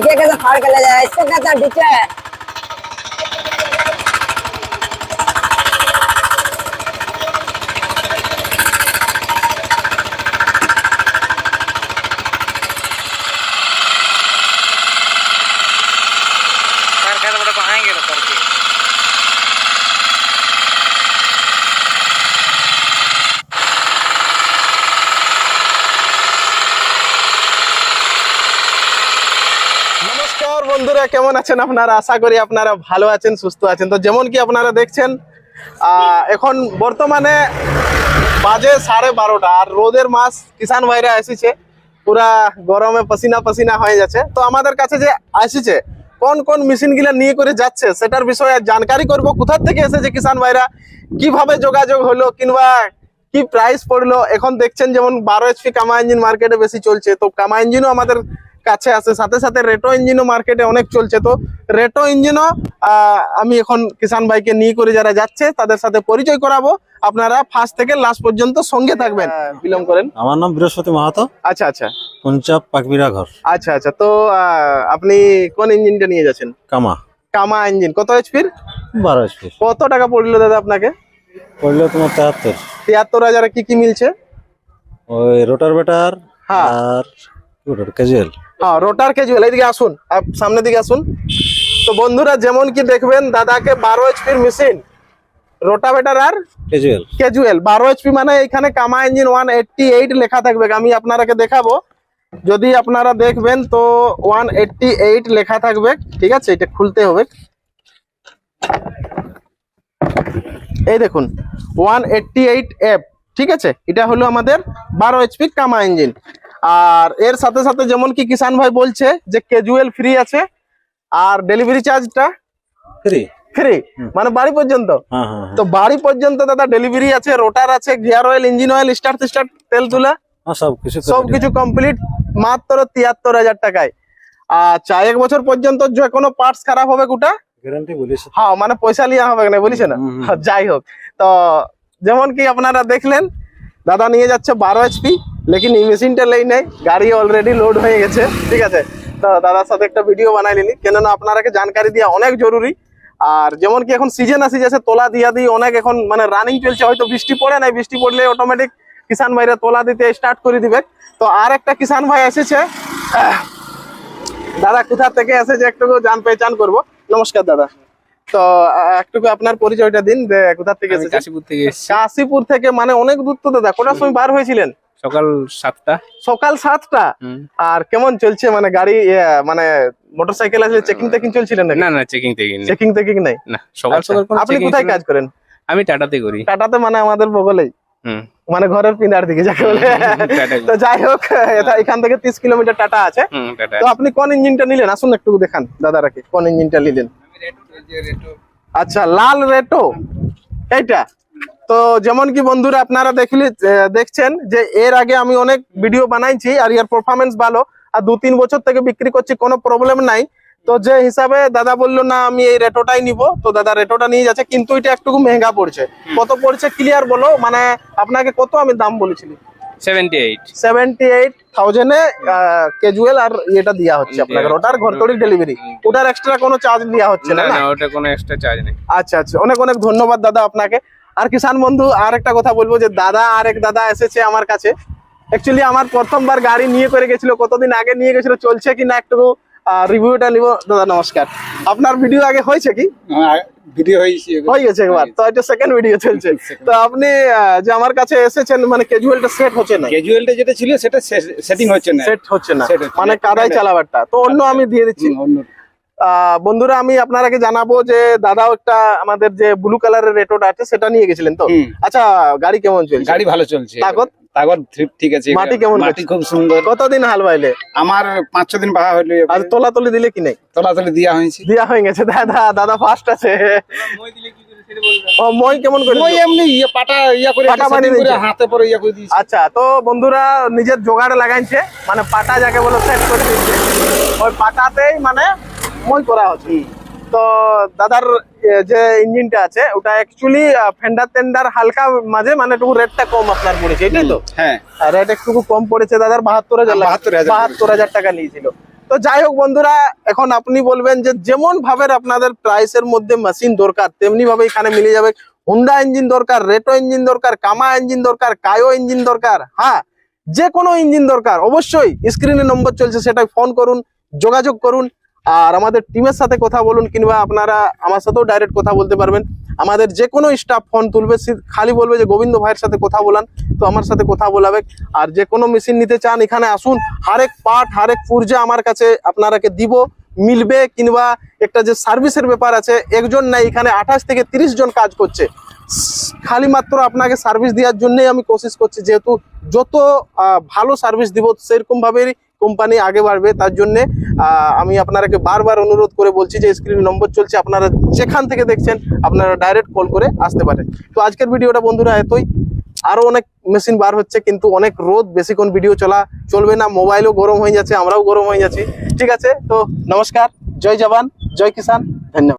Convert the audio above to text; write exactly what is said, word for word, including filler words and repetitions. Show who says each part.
Speaker 1: देखिए कैसे फाड़ के ले जाए, इसको कहता है डीजे।
Speaker 2: নমস্কার বন্ধুরা, কেমন আছেন আপনারা? আশা করি আপনারা ভালো আছেন, সুস্থ আছেন। তো যেমন কি আপনারা দেখছেন, আহ, এখন বর্তমানে বাজে সাড়ে বারোটা আর রোদের মাস, কিষান ভাইরা এসেছে, পুরা গরমে পসিনা পসিনা হয়ে যাচ্ছে। তো আমাদের কাছে যে আসছে কোন কোন মেশিন গুলা নিয়ে করে যাচ্ছে সেটার বিষয়ে জানকারি করব। কোথা থেকে এসেছে কিষান ভাইরা, কিভাবে যোগাযোগ হলো, কিংবা কি প্রাইস পড়লো। এখন দেখছেন যেমন বারো এইচপি কামা ইঞ্জিন মার্কেটে বেশি চলছে, তো কামা ইঞ্জিনও আমাদের কাছে আছে, সাথে সাথে রেটো ইঞ্জিনও মার্কেটে অনেক চলছে। তো রেটো ইঞ্জিনও আমি এখন কিষান ভাইকে নিয়ে করে যারা যাচ্ছে তাদের সাথে পরিচয় করাবো। আপনারা ফার্স্ট থেকে লাস্ট পর্যন্ত সঙ্গে থাকবেন, বিলম্ব করেন।
Speaker 3: আমার নাম বৃহস্পতি মাহাতো।
Speaker 2: আচ্ছা আচ্ছা
Speaker 3: পঞ্চাব পাকবিরা ঘর।
Speaker 2: আচ্ছা আচ্ছা তো আহ, আপনি কোন ইঞ্জিনটা নিয়ে যাচ্ছেন?
Speaker 3: কামা
Speaker 2: কামা ইঞ্জিন। কত এইচপির?
Speaker 3: বারো এইচপি।
Speaker 2: কত টাকা পড়লো দাদা আপনাকে?
Speaker 3: পড়লো তোমার তেহাত্তর।
Speaker 2: তিয়াত্তর হাজারে কি কি মিলছে?
Speaker 3: ওই রোটার বেটার
Speaker 2: হ্যাঁ।
Speaker 3: আর রোটার ক্যাজুয়াল।
Speaker 2: হ্যাঁ, রোটার ক্যাজুয়াল। এইদিকে আসুন, আপ সামনের দিকে আসুন। তো বন্ধুরা যেমন কি দেখবেন, দাদাকে বারো এইচপির মেশিন, রোটাভেটার আর
Speaker 3: ক্যাজুয়াল
Speaker 2: ক্যাজুয়াল বারো এইচপি, মানে এখানে কামা ইঞ্জিন ওয়ান এইটটি এইট লেখা থাকবে। আমি আপনারাকে দেখাবো, যদি আপনারা দেখবেন তো ওয়ান এইটটি এইট লেখা থাকবে। ঠিক আছে, এটা খুলতে হবে। এই দেখুন ওয়ান এইটটি এইট এফ। ঠিক আছে, এটা হলো আমাদের বারো এইচপি কামা ইঞ্জিন। আর এর সাথে সাথে যেমন কি কিষান ভাই বলছে যে ক্যাজুয়াল ফ্রি আছে, আর ডেলিভারি চার্জটা
Speaker 3: ফ্রি
Speaker 2: ফ্রি, মানে বাড়ি পর্যন্ত।
Speaker 3: হ্যাঁ হ্যাঁ
Speaker 2: তো বাড়ি পর্যন্ত দাদা ডেলিভারি আছে, রোটার আছে, gear oil, engine oil, start start, তেল তুলা,
Speaker 3: হ্যাঁ সব কিছু
Speaker 2: সবকিছু কমপ্লিট মাত্র তিয়াত্তর হাজার টাকায়। আচ্ছা, এক বছর পর্যন্ত যে কোনো পার্টস খারাপ হবে গোটা
Speaker 3: গ্যারান্টি বলিস।
Speaker 2: হ্যাঁ, মানে পয়সা লিয়া হবে না, বলিস না। যাই হোক, তো যেমন কি আপনারা দেখলেন, দাদা নিয়ে যাচ্ছে বারো এইচপি, লেকিন এই মেশিনটা লেই নাই, গাড়ি অলরেডি লোড হয়ে গেছে। ঠিক আছে, তো দাদার সাথে একটা ভিডিও বানাই নিলি, কেননা আপনারাকে জানকারি দেওয়া অনেক জরুরি। আর যেমন কি এখন সিজন আসি যাচ্ছে, তোলা দিয়া দিয়ে অনেক এখন মানে রানিং চলছে, হয়তো বৃষ্টি পড়ে নাই, বৃষ্টি পড়লে অটোমেটিক কিষান ভাইরা তোলা দিতে স্টার্ট করে দিবে। তো আর একটা কিষান ভাই এসেছে, দাদা কোথা থেকে এসেছে একটু জান পেহচান করবো। নমস্কার দাদা, তো একটু আপনার পরিচয়টা দিন, যে কোথা থেকে এসেছে?
Speaker 4: কাশীপুর থেকে এসেছি।
Speaker 2: কাশীপুর থেকে, মানে অনেক দূর তো দাদা। কোটার সময় বার হয়েছিলেন?
Speaker 4: সকাল সাতটা।
Speaker 2: সকাল সাতটা। আর কেমন চলছে মানে গাড়ি, মানে মোটরসাইকেল আছে, চেকিং টেকিং চলছিলেন নাকি?
Speaker 4: না না, চেকিং টেকিং নেই।
Speaker 2: চেকিং টেকিং নাই
Speaker 4: না, সকাল
Speaker 2: আচ্ছা,
Speaker 4: সকাল কোনো
Speaker 2: আপনি
Speaker 4: checking
Speaker 2: কোথায়
Speaker 4: ছিল না।
Speaker 2: কাজ করেন?
Speaker 4: আমি টাটাতে করি।
Speaker 2: টাটাতে, মানে আমাদের বগলেই,
Speaker 4: হুম।
Speaker 2: মানে ঘরের পিনার দিকে যাকে বলে।
Speaker 4: টাটা।
Speaker 2: তো যাই হোক, এটা- এখান থেকে তিরিশ কিলোমিটার টাটা আছে।
Speaker 4: হুম, টাটা।
Speaker 2: তো আপনি কোন ইঞ্জিনটা নিলেন? আসুন একটু দেখান দাদারাকে, কোন ইঞ্জিনটা নিলেন? আচ্ছা, লাল রেটো এইটা। তো যেমন কি বন্ধুরা আপনারা দেখলি আহ, দেখছেন যে এর আগে আমি অনেক ভিডিও বানাইছি, আর এর পারফরমেন্স ভালো, আর দু তিন বছর থেকে বিক্রি করছি, কোনো প্রবলেম নাই। তো যে হিসাবে দাদা বললো না আমি এই রেটোটাই নিব, তো দাদা রেটোটা নিয়ে যাচ্ছে, কিন্তু এটা একটু মেহেঙ্গা পড়ছে। কত পড়ছে ক্লিয়ার বলো, মানে আপনাকে কত আমি দাম বলেছিলি?
Speaker 4: Seventy eight.
Speaker 2: সেভেন্টি এইট থাউজেন্ডে ক্যাজুয়াল আর এটা দেওয়া হচ্ছে আপনাকে, ওটার ঘরতড়ি ডেলিভারি, ওটার এক্সট্রা কোনো চার্জ দেওয়া হচ্ছে
Speaker 4: না
Speaker 2: না
Speaker 4: না,
Speaker 2: না?
Speaker 4: ওটা কোনো এক্সট্রা চার্জ নেই।
Speaker 2: আচ্ছা আচ্ছা, অনেক অনেক ধন্যবাদ দাদা আপনাকে। আর কিষান বন্ধু, আর একটা কথা বলবো, যে দাদা আর এক দাদা এসেছে আমার কাছে। অ্যাকচুয়ালি আমার প্রথমবার গাড়ি নিয়ে করে গেছিল, কতদিন আগে নিয়ে গেছিল, চলছে কি না একটু রিভিউটা নিব। দাদা নমস্কার, আপনার ভিডিও আগে হয়েছে কি?
Speaker 5: ভিডিও হয়েছে
Speaker 2: হয়ে গেছে একবার, তো এটা সেকেন্ড ভিডিও চলছে। তো আপনি আহ, যে আমার কাছে এসেছেন, মানে ক্যাজুয়ালটা সেট হচ্ছে না,
Speaker 5: ক্যাজুয়ালটা যেটা ছিল সেটা সেটিং হচ্ছে না,
Speaker 2: সেট হচ্ছে না,
Speaker 5: Set হচ্ছে
Speaker 2: মানে
Speaker 5: না।
Speaker 2: কাদায় চালাবারটা, তো অন্য আমি দিয়ে দিচ্ছি।
Speaker 5: হুম, অন্য
Speaker 2: আহ, বন্ধুরা আমি আপনারাকে জানাবো যে দাদাও একটা আমাদের যে ব্লু কালারের রেটোটা আছে সেটা নিয়ে গেছিলেন তো।
Speaker 5: হুম।
Speaker 2: আচ্ছা, গাড়ি কেমন চলছে?
Speaker 5: গাড়ি ভালো চলছে।
Speaker 2: তাগত?
Speaker 5: তাগত ঠিক আছে।
Speaker 2: মাটি কেমন
Speaker 5: মাটি
Speaker 2: করছে?
Speaker 5: খুব সুন্দর।
Speaker 2: কতদিন হাল বাইলে?
Speaker 5: আমার পাঁচ ছ দিন বাহা হইলো,
Speaker 2: আর তোলাতলি দিলে কি নেই?
Speaker 5: তলাতলি দিয়া হয়েছে।
Speaker 2: দিয়া হয়ে গেছে। দাদা দাদা ফার্স্ট আছে। ও মই কেমন করে?
Speaker 5: ওই এমনি ইয়ে পাটা ইয়া করে
Speaker 2: পাটা
Speaker 5: setting
Speaker 2: বানিয়ে
Speaker 5: করে
Speaker 2: দিয়েছে।
Speaker 5: হাতে পরে ইয়া করে দিয়েছে।
Speaker 2: আচ্ছা, তো বন্ধুরা নিজের জোগাড় লাগাইছে, মানে পাটা যাকে বলে সেট করে দিচ্ছে, ওই পাটাতেই মানে মই করা হচ্ছে। তো দাদার এ, যে ইঞ্জিনটা আছে ওটা অ্যাকচুয়ালি ফেন্ডার টেন্ডার হালকা মাঝে, মানে একটু রেটটা কম আপনার পড়েছে, এটাই তো?
Speaker 5: হ্যাঁ,
Speaker 2: রেট একটু কম পড়েছে দাদার, বাহাত্তর হাজার
Speaker 5: বাহাত্তর হাজার
Speaker 2: বাহাত্তর হাজার টাকা নিয়েছিল। তো যাই হোক বন্ধুরা, এখন আপনি বলবেন যে যেমন ভাবে আপনাদের প্রাইসের মধ্যে মেশিন দরকার তেমনি ভাবে এখানে মিলে যাবে। হুন্ডা ইঞ্জিন দরকার, রেটো ইঞ্জিন দরকার, কামা ইঞ্জিন দরকার, কায়ো ইঞ্জিন দরকার, হ্যাঁ যে কোনো ইঞ্জিন দরকার, অবশ্যই স্ক্রিনে নম্বর চলছে সেটাই ফোন করুন, যোগাযোগ করুন, আর আমাদের টিমের সাথে কথা বলুন, কিংবা আপনারা আমার সাথেও ডাইরেক্ট কথা বলতে পারবেন। আমাদের যে কোনো স্টাফ ফোন তুলবে, সে- খালি বলবে যে গোবিন্দ ভাইয়ের সাথে কথা বলান, তো আমার সাথে কথা বলাবে। আর যে কোনো মেশিন নিতে চান এখানে আসুন, হারেক পার্ট হারেক পুর্জা আমার কাছে আপনারাকে দিব, মিলবে। কিংবা একটা যে সার্ভিসের ব্যাপার আছে, একজন নাই এখানে আঠাশ থেকে তিরিশ জন কাজ করছে, খালি মাত্র আপনাকে সার্ভিস দেওয়ার জন্যই আমি কোশিশ করছি, যেহেতু যত আহ, ভালো সার্ভিস দিব সেরকম ভাবেই কোম্পানি আগে বাড়বে। তার জন্যে আহ, আমি আপনারাকে বারবার অনুরোধ করে বলছি যে স্ক্রিন নম্বর চলছে, আপনারা যেখান থেকে দেখছেন আপনারা ডাইরেক্ট কল করে আসতে পারেন। তো আজকের ভিডিওটা বন্ধুরা এতই, আরো অনেক মেশিন বার হচ্ছে, কিন্তু অনেক রোদ, বেশিক্ষণ ভিডিও চলা চলবে না, মোবাইলও গরম হয়ে যাচ্ছে, আমরাও গরম হয়ে যাচ্ছি। ঠিক আছে, তো নমস্কার, জয় জওয়ান, জয় কিষান, ধন্যবাদ।